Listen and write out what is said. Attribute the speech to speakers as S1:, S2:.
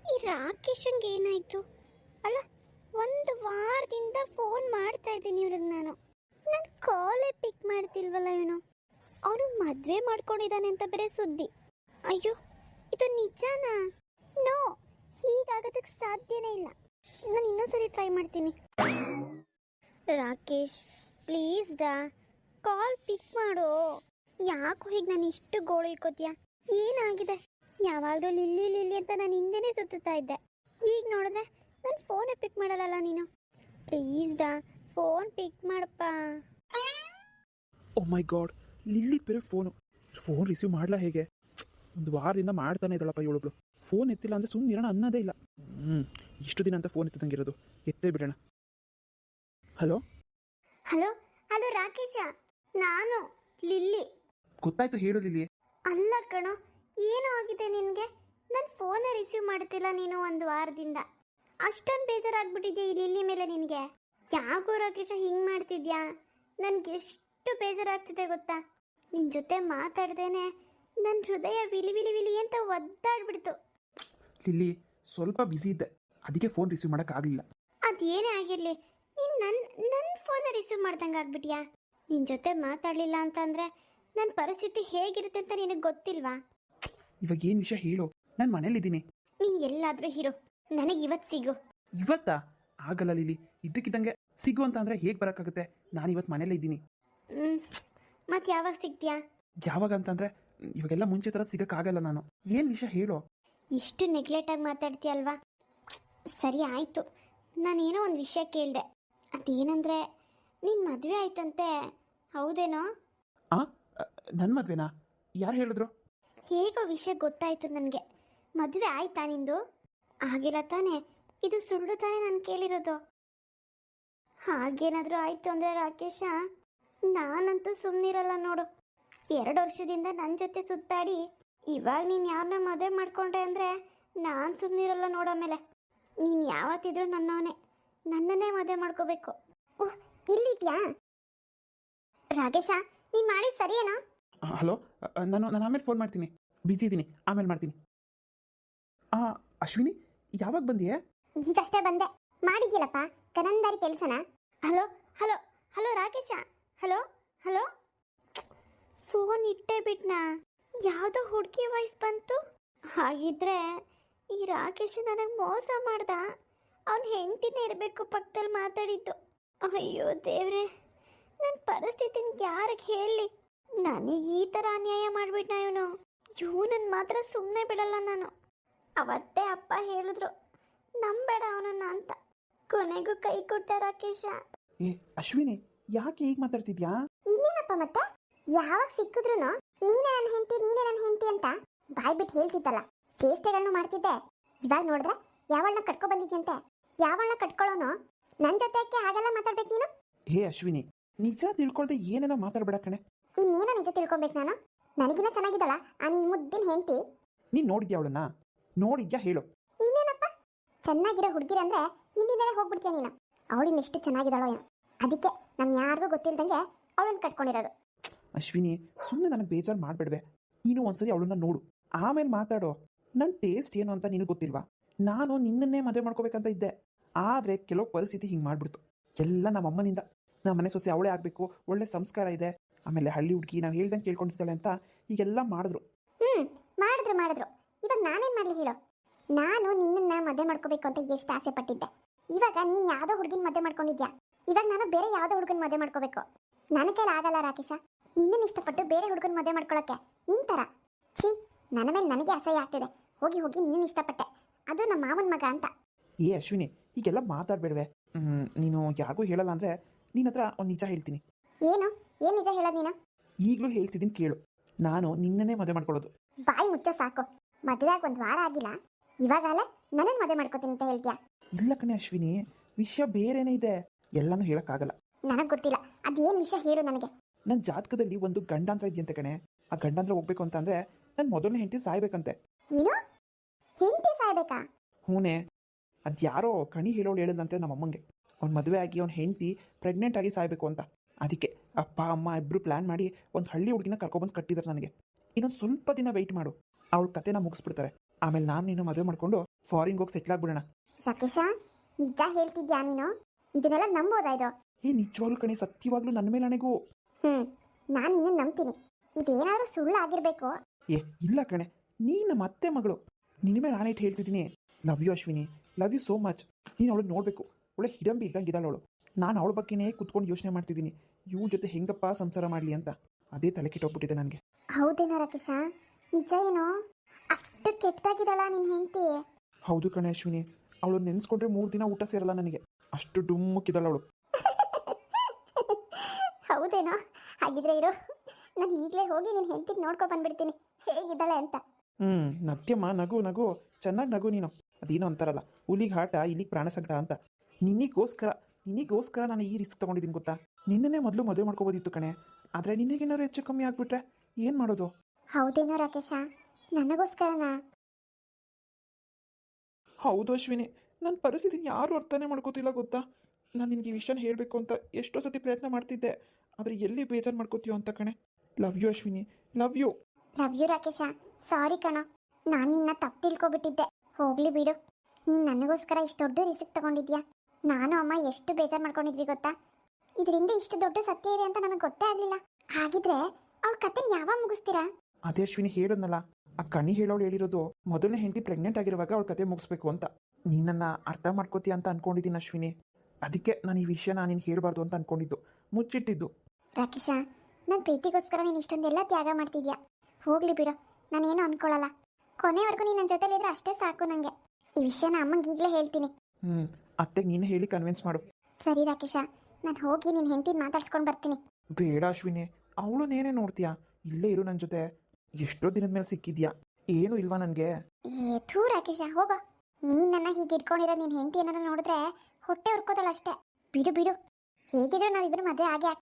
S1: ಈ ರಾಕೇಶನ್ಗೆ ಏನಾಯ್ತು? ಅಲ್ಲ, ಒಂದು ವಾರದಿಂದ ಫೋನ್ ಮಾಡ್ತಾ ಇದ್ದೀನಿ ಇವ್ರಿಗೆ ನಾನು ಕಾಲೇ ಪಿಕ್ ಮಾಡ್ತಿಲ್ವಲ್ಲ ಇವನು. ಅವನು ಮದುವೆ ಮಾಡ್ಕೊಂಡಿದ್ದಾನೆ ಅಂತ ಬೇರೆ ಸುದ್ದಿ. ಅಯ್ಯೋ, ಇದು ನಿಜಾನಾ? ನೋ, ಹೀಗಾಗೋದಕ್ಕೆ ಸಾಧ್ಯನೇ ಇಲ್ಲ. ನಾನು ಇನ್ನೊಂದ್ಸರಿ ಟ್ರೈ ಮಾಡ್ತೀನಿ. ರಾಕೇಶ್, ಪ್ಲೀಸ್ ಕಾಲ್ ಪಿಕ್ ಮಾಡು. ಯಾಕೋ ಹೀಗೆ ನಾನು ಇಷ್ಟು ಗೋಳು ಇಕ್ಕೋತೀಯ? ಏನಾಗಿದೆ? ಯಾವಾಗಲೂ ಲಿಲ್ಲಿ ಲಿಲ್ಲಿ ಅಂತ ನಾನು ಹಿಂದೆನೇ ಸುತ್ತುತ್ತಾ ಇದ್ದೆ. ಈಗ ನೋಡಿದ್ರೆ ನಾನು ಫೋನೇ ಪಿಕ್ ಮಾಡಲ್ಲ ನೀನು. ಪ್ಲೀಸ್ ಫೋನ್ ಪಿಕ್ ಮಾಡಪ್ಪ.
S2: ಓ ಮೈ ಗಾಡ್, ಲಿಲ್ಲಿ ಬೇರೆ ಫೋನ್ ರಿಸೀವ್ ಮಾಡಲ್ಲ. ಹೇಗೆ? ಒಂದು ವಾರದಿಂದ ಮಾಡ್ತಾನೆ ಇದ್ದಾಳಪ್ಪ ಇವಳೊಬ್ಳು. ಫೋನ್ ಎತ್ತಿಲ್ಲ ಅಂದರೆ ಸುಮ್ಮನೆ ಇರೋಣ ಅನ್ನೋದೇ ಇಲ್ಲ. ಇಷ್ಟು ದಿನ ಅಂತ ಫೋನ್ ಎತ್ತದಂಗಿರೋದು, ಎತ್ತೇ ಬಿಡೋಣ. ಹಲೋ
S1: ಹಲೋ ಹಲೋ ರಾಕೇಶ, ನಾನು ಲಿಲ್ಲಿ.
S2: ಗೊತ್ತಾಯ್ತು, ಹೇಳು ಲಿಲ್ಲಿ.
S1: ಅಲ್ಲ ಕಣೋ, ಏನೋ ಆಗಿದೆ ನಿನಗೆ? ನನ್ನ ಫೋನೇ ರಿಸೀವ್ ಮಾಡ್ತಿಲ್ಲ ನೀನು ಒಂದು ವಾರದಿಂದ. ಅಷ್ಟೊಂದು ಬೇಜಾರಾಗ್ಬಿಟ್ಟಿದ್ಯಾ ಈ ಲಿಲ್ಲಿ ಮೇಲೆ ನಿನಗೆ? ಯಾಕೋ ರಾಕೇಶ ಹಿಂಗೆ ಮಾಡ್ತಿದ್ಯಾ? ನನಗೆ ಎಷ್ಟು ಬೇಜಾರಾಗ್ತಿದೆ ಗೊತ್ತಾ? ನಿನ್ನ ಜೊತೆ ಮಾತಾಡ್ದೇನೆ ನನ್ನ ಹೃದಯ ವಿಲಿ ವಿಲಿ ವಿಲಿ ಅಂತ ಒದ್ದಾಡ್ಬಿಡ್ತು.
S2: ಲಿಲ್ಲಿ, ಸ್ವಲ್ಪ ಬ್ಯುಸಿ ಇದ್ದೆ, ಅದಕ್ಕೆ ಫೋನ್ ರಿಸೀವ್ ಮಾಡೋಕ್ಕಾಗಲಿಲ್ಲ.
S1: ಅದೇನೇ ಆಗಿರಲಿ, ನೀನು ನನ್ನ ಫೋನ ರಿಸೀವ್ ಮಾಡ್ದಂಗೆ ಆಗ್ಬಿಟ್ಯಾ? ನಿನ್ನ ಜೊತೆ ಮಾತಾಡಲಿಲ್ಲ ಅಂತಂದರೆ ನನ್ನ ಪರಿಸ್ಥಿತಿ ಹೇಗಿರುತ್ತೆ ಅಂತ ನಿನಗೆ ಗೊತ್ತಿಲ್ವಾ?
S2: ಇವಾಗ ಏನು ವಿಷಯ ಹೇಳು, ನಾನು ಮನೇಲಿದ್ದೀನಿ.
S1: ನೀನು ಎಲ್ಲಾದರೂ ಇರು, ನನಗೆ ಇವತ್ತು ಸಿಗು.
S2: ಇವತ್ತಾ? ಆಗಲ್ಲ ಲಿಲ್ಲಿ, ಇದ್ದಕ್ಕಿದ್ದಂಗೆ ಸಿಗು ಅಂತ ಅಂದರೆ ಹೇಗೆ ಬರೋಕ್ಕಾಗುತ್ತೆ? ನಾನು ಇವತ್ತು ಮನೇಲೇ ಇದ್ದೀನಿ.
S1: ಮತ್ತೆ ಯಾವಾಗ ಸಿಗ್ತೀಯಾ?
S2: ಯಾವಾಗ ಅಂತಂದರೆ ಇವಾಗೆಲ್ಲ ಮುಂಚೆ ಥರ ಸಿಗೋಕ್ಕಾಗಲ್ಲ ನಾನು. ಏನು ವಿಷಯ ಹೇಳು.
S1: ಇಷ್ಟು ನೆಗ್ಲೆಕ್ಟಾಗಿ ಮಾತಾಡ್ತೀಯಲ್ವಾ? ಸರಿ ಆಯಿತು, ನಾನೇನೋ ಒಂದು ವಿಷಯ ಕೇಳಿದೆ. ಅದೇನಂದರೆ ನಿನ್ನ ಮದುವೆ ಆಯ್ತಂತೆ, ಹೌದೇನೋ?
S2: ನನ್ನ ಮದುವೆನಾ? ಯಾರು ಹೇಳಿದ್ರು?
S1: ಹೇಗೋ ವಿಷಯ ಗೊತ್ತಾಯಿತು ನನಗೆ. ಮದುವೆ ಆಯ್ತಾ ನಿಂದು? ಆಗಿಲ್ಲ ತಾನೇ? ಇದು ಸುಳ್ಳು ತಾನೇ ನಾನು ಕೇಳಿರೋದು? ಹಾಗೇನಾದರೂ ಆಯಿತು ಅಂದರೆ ರಾಕೇಶ, ನಾನಂತೂ ಸುಮ್ಮನಿರಲ್ಲ ನೋಡು. 2 ವರ್ಷದಿಂದ ನನ್ನ ಜೊತೆ ಸುತ್ತಾಡಿ ಇವಾಗ ನೀನು ಯಾರನ್ನ ಮದುವೆ ಮಾಡ್ಕೊಂಡ್ರೆ ಅಂದರೆ ನಾನು ಸುಮ್ಮನಿರಲ್ಲ ನೋಡೋಮೇಲೆ. ನೀನು ಯಾವತ್ತಿದ್ರೂ ನನ್ನನ್ನೇ ಮದುವೆ ಮಾಡ್ಕೋಬೇಕು. ಓಹ್, ಇಲ್ಲಿದ್ಯಾ ರಾಕೇಶ? ನೀನು ಮಾಡಿ ಸರಿಯೇನಾ?
S2: ಹಲೋ, ನಾನು ಆಮೇಲೆ ಫೋನ್ ಮಾಡ್ತೀನಿ, ಬಿಸಿ ಇದ್ದೀನಿ, ಆಮೇಲೆ ಮಾಡ್ತೀನಿ. ಅಶ್ವಿನಿ, ಯಾವಾಗ ಬಂದಿಯೇ?
S1: ಈಗಷ್ಟೇ ಬಂದೆ. ಮಾಡಿದ್ಯಲ್ಲಪ್ಪ ಕನಂದಾರಿ ಕೆಲಸನ. Hello hello hello Rakesh, hello hello. Phone ಇಟ್ಟೇ ಬಿಟ್ನಾ? ಯಾವುದೋ ಹುಡುಗಿ ವಾಯ್ಸ್ ಬಂತು. ಹಾಗಿದ್ರೆ ಈ ರಾಕೇಶ ನನಗೆ ಮೋಸ ಮಾಡ್ದ. ಅವನ ಹೆಂಡತಿನೇ ಇರಬೇಕು ಪಕ್ಕದಲ್ಲಿ ಮಾತಾಡಿದ್ದು. ಅಯ್ಯೋ ದೇವ್ರೆ, ನನ್ನ ಪರಿಸ್ಥಿತಿನ ಯಾರಿಗೆ ಹೇಳಿ? ನನಗೆ ಈ ಥರ ಅನ್ಯಾಯ ಮಾಡಿಬಿಟ್ನ ಇವನನ್ನು ಮಾತ್ರ ಸುಮ್ಮನೆ ಬಿಡಲ್ಲ ನಾನು. ಅವತ್ತೇ ಅಪ್ಪ ಹೇಳಿದ್ರು, ನಂಬೇಡ ಅವನನ್ನ ಅಂತ. ಕೊನೆಗೂ ಕೈ ಕೊಟ್ಟ ರಾಕೇಶ.
S2: ಏ ಅಶ್ವಿನಿ, ಯಾಕೆ ಈಗ ಮಾತಾಡ್ತಿದ್ಯಾ?
S1: ಇನ್ನೇನಪ್ಪ ಮತ್ತೆ? ಯಾವಾಗ ಸಿಕ್ಕಿದ್ರು ನೀನೇ ನನ್ನ ಹೆಂಡತಿ ಅಂತ ಬಾಯ್ ಬಿಟ್ಟು ಹೇಳ್ತಿದ್ದಲ್ಲ, ಚೇಷ್ಟೆಗಳನ್ನು ಮಾಡ್ತಿದ್ದೆ. ಇವಾಗ ನೋಡಿದ್ರೆ ಯಾವಳನ್ನ ಕಟ್ಕೊ ಬಂದಿದ್ಯಂತೆ. ಯಾವಳನ್ನ ಕಟ್ಕೊಳ್ಳೋನು? ನನ್ನ ಜೊತೆಕ್ಕೆ ಹಾಗೆಲ್ಲ ಮಾತಾಡ್ಬೇಕು ನೀನು?
S2: ಹೇ ಅಶ್ವಿನಿ, ನಿಜ ತಿಳ್ಕೊಳ್ದೆ ಏನೇನೋ ಮಾತಾಡ್ಬೇಡ ಕಣೆ.
S1: ಇನ್ನೇನೋ ನಿಜ ತಿಳ್ಕೊಬೇಕು ನಾನು? ನನಗಿನ್ನ ಚೆನ್ನಾಗಿದ್ದಳ ಆ ನಿನ್ನ ಮುದ್ದಿನ ಹೆಂಡತಿ.
S2: ನೀನು ನೋಡಿದ್ಯಾ ಅವಳನ್ನ? ನೋಡಿದ್ಯಾ ಹೇಳು?
S1: ಇನ್ನೇನಪ್ಪ, ಚೆನ್ನಾಗಿರೋ ಹುಡುಗಿರ ಅಂದ್ರೆ ಹಿಂದಿನೇ ಹೋಗ್ಬಿಡ್ತೀಯ ನೀನು. ಅವಳಿನ ಎಷ್ಟು ಚೆನ್ನಾಗಿದ್ದಾಳೋ ಏನೋ, ಅದಕ್ಕೆ ನಮ್ ಯಾರಿಗೂ ಗೊತ್ತಿಲ್ದಂಗೆ ಅವಳನ್ನ ಕಟ್ಕೊಂಡಿರೋದು.
S2: ಅಶ್ವಿನಿ, ಸುಮ್ಮನೆ ನನಗೆ ಬೇಜಾರು ಮಾಡಬೇಡ್ವೆ. ನೀನು ಒಂದ್ಸರಿ ಅವಳನ್ನ ನೋಡು, ಆಮೇಲೆ ಮಾತಾಡೋ. ನನ್ನ ಟೇಸ್ಟ್ ಏನು ಅಂತ ನಿನಗೆ ಗೊತ್ತಿಲ್ವಾ? ನಾನು ನಿನ್ನನ್ನೇ ಮದುವೆ ಮಾಡ್ಕೋಬೇಕಂತ ಇದ್ದೆ, ಆದರೆ ಕೆಲವು ಪರಿಸ್ಥಿತಿ ಹಿಂಗೆ ಮಾಡ್ಬಿಡ್ತು. ಎಲ್ಲ ನಮ್ಮ ಅಮ್ಮನಿಂದ. ನಮ್ಮ ಮನೆ ಸೊಸೆ ಅವಳೇ ಆಗಬೇಕು, ಒಳ್ಳೆ ಸಂಸ್ಕಾರ ಇದೆ, ಆಮೇಲೆ ಹಳ್ಳಿ ಹುಡುಗಿ ನಾವು ಹೇಳ್ದಂಗೆ ಕೇಳ್ಕೊಂಡಿರ್ತಾಳೆ ಅಂತ ಈಗೆಲ್ಲ ಮಾಡಿದ್ರು.
S1: ಮಾಡಿದ್ರು. ಇವಾಗ ನಾನೇನು ಮಾಡಲಿ ಹೇಳೋ? ನಾನು ನಿನ್ನನ್ನ ಮದುವೆ ಮಾಡ್ಕೋಬೇಕು ಅಂತ ಎಷ್ಟು ಆಸೆ ಪಟ್ಟಿದ್ದೆ. ಇವಾಗ ನೀನು ಯಾವುದೋ ಹುಡುಗಿನ ಮದುವೆ ಮಾಡ್ಕೊಂಡಿದ್ಯಾ. ಇವಾಗ ನಾನು ಬೇರೆ ಯಾವುದೋ ಹುಡುಗನ ಮದುವೆ ಮಾಡ್ಕೋಬೇಕು. ನನ್ನ ಕೈಲಿ ಆಗಲ್ಲ ರಾಕೇಶ, ನಿನ್ನನ್ನು ಇಷ್ಟಪಟ್ಟು ಬೇರೆ ಹುಡುಗನ ಮದುವೆ ಮಾಡ್ಕೊಳ್ಳೋಕ್ಕೆ. ನಿನ್ ಥರ ಛೀ, ನನ್ನ ಮೇಲೆ ನನಗೆ ಅಸಹ್ಯ ಆಗ್ತಿದೆ. ಹೋಗಿ ನಿನ್ನನ್ನು ಇಷ್ಟಪಟ್ಟೆ, ಅದು ನಮ್ಮ ಮಾವನ ಮಗ ಅಂತ.
S2: ಏ ಅಶ್ವಿನಿ, ಹೀಗೆಲ್ಲ ಮಾತಾಡಬೇಡ್ವೆ. ನೀನು ಯಾರಿಗೂ ಹೇಳಲ್ಲ ಅಂದರೆ ನಿನ್ನ ಹತ್ರ ಒಂದು ನಿಜ ಹೇಳ್ತೀನಿ.
S1: ಏನು ನಿಜ ಹೇಳೋದು ನೀನು?
S2: ಈಗಲೂ ಹೇಳ್ತಿದ್ದೀನಿ ಕೇಳು. ನಾನು ನಿನ್ನನ್ನೇ ಮದುವೆ ಮಾಡ್ಕೊಳ್ಳೋದು.
S1: ಬಾಯಿ ಮುಚ್ಚೋ ಸಾಕು. ಮದುವೆ ಆಗಿ 1 ವಾರ ಆಗಿಲ್ಲ, ಇವಾಗಲೇ ನನ್ನನ್ನು ಮದುವೆ ಮಾಡ್ಕೋತೀನಿ ಅಂತ ಹೇಳ್ತೀಯಾ?
S2: ಇಲ್ಲ ಕಣೆ ಅಶ್ವಿನಿ, ವಿಷಯ ಬೇರೆನೇ ಇದೆ, ಎಲ್ಲನೂ ಹೇಳೋಕ್ಕಾಗಲ್ಲ.
S1: ನನಗೆ ಗೊತ್ತಿಲ್ಲ, ಅದೇನು ವಿಷಯ ಹೇಳು ನನಗೆ.
S2: ನನ್ನ ಜಾತಕದಲ್ಲಿ ಒಂದು ಗಂಡಾಂತರ ಇದೆಯಂತೆ ಕಣೆ. ಆ ಗಂಡಾಂತರ ಹೋಗ್ಬೇಕು ಅಂತಂದರೆ ನನ್ನ ಮೊದಲನೇ ಹೆಂಡತಿ ಸಾಯ್ಬೇಕಂತೆ.
S1: ಏನು? ಹೆಂಡತಿ ಸಾಯ್ಬೇಕಾ?
S2: ಹೂನೇ, ಅದ್ಯಾರೋ ಕಣಿ ಹೇಳೋಳು ಹೇಳಿದಂತೆ ನಮ್ಮಮ್ಮಂಗೆ. ಅವ್ನು ಮದುವೆ ಆಗಿ ಅವ್ನ ಹೆಂಡತಿ ಪ್ರೆಗ್ನೆಂಟ್ ಆಗಿ ಸಾಯ್ಬೇಕು ಅಂತ. ಅದಕ್ಕೆ ಅಪ್ಪ ಅಮ್ಮ ಇಬ್ಬರು ಪ್ಲ್ಯಾನ್ ಮಾಡಿ ಒಂದು ಹಳ್ಳಿ ಹುಡುಗಿನ ಕರ್ಕೊಬಂದು ಕಟ್ಟಿದ್ದಾರೆ ನನಗೆ. ಇನ್ನೊಂದು ಸ್ವಲ್ಪ ದಿನ ವೆಯ್ಟ್ ಮಾಡು, ಅವಳ ಕತೆನ ಮುಗಿಸ್ಬಿಡ್ತಾರೆ. ಆಮೇಲೆ ನಾನು ನೀನು ಮದುವೆ ಮಾಡ್ಕೊಂಡು ಫಾರಿನ್ಗೆ ಹೋಗಿ ಸೆಟ್ಲ್ ಆಗ್ಬಿಡೋಣ.
S1: ರಾಕೇಶ, ನಿಜ ಹೇಳ್ತಿದ್ಯಾ ನೀನು? ಇದನ್ನೆಲ್ಲ ನಂಬೋದಾ ಇದು?
S2: ನಿಜವಾಗ್ಲೂ ಕಣೆ, ಸತ್ಯವಾಗ್ಲೂ ನನ್ನ ಮೇಲೆ ನನಗೂ.
S1: ನಾನು ನಿನ್ನ ನಂಬ್ತೀನಿ. ಇದೇನಾದ್ರೂ ಸುಳ್ಳು ಆಗಿರ್ಬೇಕು.
S2: ಇಲ್ಲ ಕಣೆ, ನೀನು ಮತ್ತೆ ಮಗಳು, ನಿನ್ನ ಮೇಲೆ ನಾನೇಟ್ ಹೇಳ್ತಿದ್ದೀನಿ. Love you Ashwini, love you so much. ನೀನು ಅವಳು ನೋಡಬೇಕು, ಒಳ್ಳೆ ಹಿಡಂಬಿ ಇದ್ದಂಗೆ ಇದ್ದಾಳೆ ಅವಳು. ನಾನು ಅವಳ ಬಗ್ಗೆನೇ ಕೂತ್ಕೊಂಡು ಯೋಚನೆ ಮಾಡ್ತಿದ್ದೀನಿ, ಇವಳ ಜೊತೆ ಹೆಂಗಪ್ಪ ಸಂಸಾರ ಮಾಡಲಿ ಅಂತ. ಅದೇ ತಲೆ ಕೆಟ್ಟೋಗ್ಬಿಟ್ಟಿದೆ ನನಗೆ.
S1: ಹೌದೇನೋ ರಾಕೇಶ? ನಿಜ ಏನೋ? ಅಷ್ಟು ಕೆಟ್ಟದಾಗಿದ್ದಾಳ ನಿನ್ನ ಹೆಂಡತಿ?
S2: ಹೌದು ಕಣೆ ಅಶ್ವಿನಿ, ಅವಳು ನೆನೆಸ್ಕೊಂಡ್ರೆ 3 ದಿನ ಊಟ ಸೇರಲ್ಲ ನನಗೆ, ಅಷ್ಟು ಡುಮ್ಮಕ್ಕಿದ್ದಾಳೆ ಅವಳು.
S1: ಹೌದೇನೋ? ಹಾಗಿದ್ರೆ ಇರು, ನಾನು ಈಗಲೇ ಹೋಗಿ ನಿನ್ನ ಹೆಂಡತಿಗೆ ನೋಡ್ಕೊ ಬಂದ್ಬಿಡ್ತೀನಿ ಹೇಗಿದ್ದಾಳೆ ಅಂತ.
S2: ನತ್ಯಮ್ಮ, ನಗು ನಗು, ಚೆನ್ನಾಗಿ ನಗು ನೀನು. ಅದೇನೋ ಅಂತಾರಲ್ಲ, ಹುಲಿಗೆ ಹಾಟ ಇಲ್ಲಿಗೆ ಪ್ರಾಣ ಸಂಕಟ ಅಂತ. ನಿನ್ನಿಗೋಸ್ಕರ ನಾನು ಈ ರಿಸ್ಕ್ ತೊಗೊಂಡಿದ್ದೀನಿ ಗೊತ್ತಾ. ನಿನ್ನೇ ಮೊದಲು ಮದುವೆ ಮಾಡ್ಕೋಬೋದಿತ್ತು ಕಣೆ, ಆದರೆ ನಿನಗೇನಾದ್ರು ಹೆಚ್ಚು ಕಮ್ಮಿ ಆಗ್ಬಿಟ್ರೆ ಏನು ಮಾಡೋದು?
S1: ಹೌದೇನೋ ರಾಕೇಶ? ನನಗೋಸ್ಕರನಾ?
S2: ಹೌದು ಅಶ್ವಿನಿ, ನನ್ನ ಪರಿಸ್ಥಿತಿ ಯಾರು ಅರ್ಥನೇ ಮಾಡ್ಕೋತಿಲ್ಲ ಗೊತ್ತಾ. ನಾನು ನಿನಗೆ ಈ ವಿಷಯನ ಹೇಳಬೇಕು ಅಂತ ಎಷ್ಟೋ ಸತಿ ಪ್ರಯತ್ನ ಮಾಡ್ತಿದ್ದೆ, ಆದರೆ ಎಲ್ಲಿ ಬೇಜಾರು ಮಾಡ್ಕೋತೀಯೋ ಅಂತ ಕಣೆ. Love you Ashwini, love you.
S1: Love you Rakesh. Sorry ಕಣ, ನಾನು ನಿನ್ನ ತಪ್ಪು ತಿಳ್ಕೊಬಿಟ್ಟಿದ್ದೆ. ಹೋಗ್ಲಿ ಬಿಡು, ನೀನು ನನಗೋಸ್ಕರ ಇಷ್ಟು ದೊಡ್ಡ ರಿಸ್ಕ್ ತಗೊಂಡಿದ್ಯಾ. ನಾನು ಅಮ್ಮ ಎಷ್ಟು ಬೇಜಾರು ಮಾಡ್ಕೊಂಡಿದ್ವಿ ಗೊತ್ತಾ. ಇದರಿಂದ ಇಷ್ಟು ದೊಡ್ಡ ಸತ್ಯ ಇದೆ ಅಂತ ನನಗೆ ಗೊತ್ತೇ ಆಗಲಿಲ್ಲ. ಹಾಗಿದ್ರೆ ಅವಳ ಕತೆನ ಯಾವಾಗ ಮುಗಿಸ್ತೀರಾ?
S2: ಅದೇ ಅಶ್ವಿನಿ ಹೇಳೋದ್ನಲ್ಲ, ಆ ಕಣಿ ಹೇಳೋಳು ಹೇಳಿರೋದು ಮೊದಲನೇ ಹೆಂಡತಿ ಪ್ರೆಗ್ನೆಂಟ್ ಆಗಿರುವಾಗ ಅವಳ ಕತೆ ಮುಗಿಸ್ಬೇಕು ಅಂತ. ನೀನನ್ನು ಅರ್ಥ ಮಾಡ್ಕೋತೀಯ ಅಂತ ಅನ್ಕೊಂಡಿದ್ದೀನಿ ಅಶ್ವಿನಿ. ಅದಕ್ಕೆ ನಾನು ಈ ವಿಷಯನ ನೀನು ಹೇಳಬಾರ್ದು ಅಂತ ಅನ್ಕೊಂಡಿದ್ದು, ಮುಚ್ಚಿಟ್ಟಿದ್ದು.
S1: ರಾಕೇಶ, ನನ್ನ ಪ್ರೀತಿಗೋಸ್ಕರ ನೀನು ಇಷ್ಟೊಂದೆಲ್ಲ ತ್ಯಾಗ ಮಾಡ್ತಿದ್ಯಾ. ಹೋಗ್ಲಿ ಬಿಡು, ನಾನೇನು ಅನ್ಕೊಳ್ಳಲ್ಲ. ಕೊನೆವರೆಗೂ ನೀನು ನನ್ನ ಜೊತೆಲಿದ್ರೆ ಅಷ್ಟೇ ಸಾಕು ನನಗೆ. ಈ ವಿಷಯನ ಅಮ್ಮಂಗೆ ಈಗಲೇ ಹೇಳ್ತೀನಿ.
S2: ಅತ್ತೆಗೆ ನೀನು ಹೇಳಿ ಕನ್ವಿನ್ಸ್ ಮಾಡು.
S1: ಸರಿ ರಾಕೇಶ, ನಾನು ಹೋಗಿ ನಿನ್ನ ಹೆಂಡತಿನ ಮಾತಾಡ್ಸ್ಕೊಂಡು ಬರ್ತೀನಿ.
S2: ಬೇಡ ಅಶ್ವಿನಿ, ಅವಳು ನೇನೇ ನೋಡ್ತೀಯಾ, ಇಲ್ಲೇ ಇರು ನನ್ನ ಜೊತೆ. ಎಷ್ಟೋ ದಿನದ ಮೇಲೆ ಸಿಕ್ಕಿದ್ಯಾ, ಏನು ಇಲ್ವಾ ನನಗೆ?
S1: ಥೂ ರಾಕೇಶ, ಹೋಗೋ. ನೀನು ನನ್ನ ಹೀಗೆ ಇಟ್ಕೊಂಡಿರೋ ನಿನ್ನ ಹೆಂಡತಿ ಏನಾರ ನೋಡಿದ್ರೆ ಹೊಟ್ಟೆ ಉರ್ಕೋತಾಳಷ್ಟೇ. ಬಿಡು ಬಿಡು, ಹೇಗಿದ್ರು ನಾವಿಬ್ಬರು ಮದುವೆ ಆಗೇ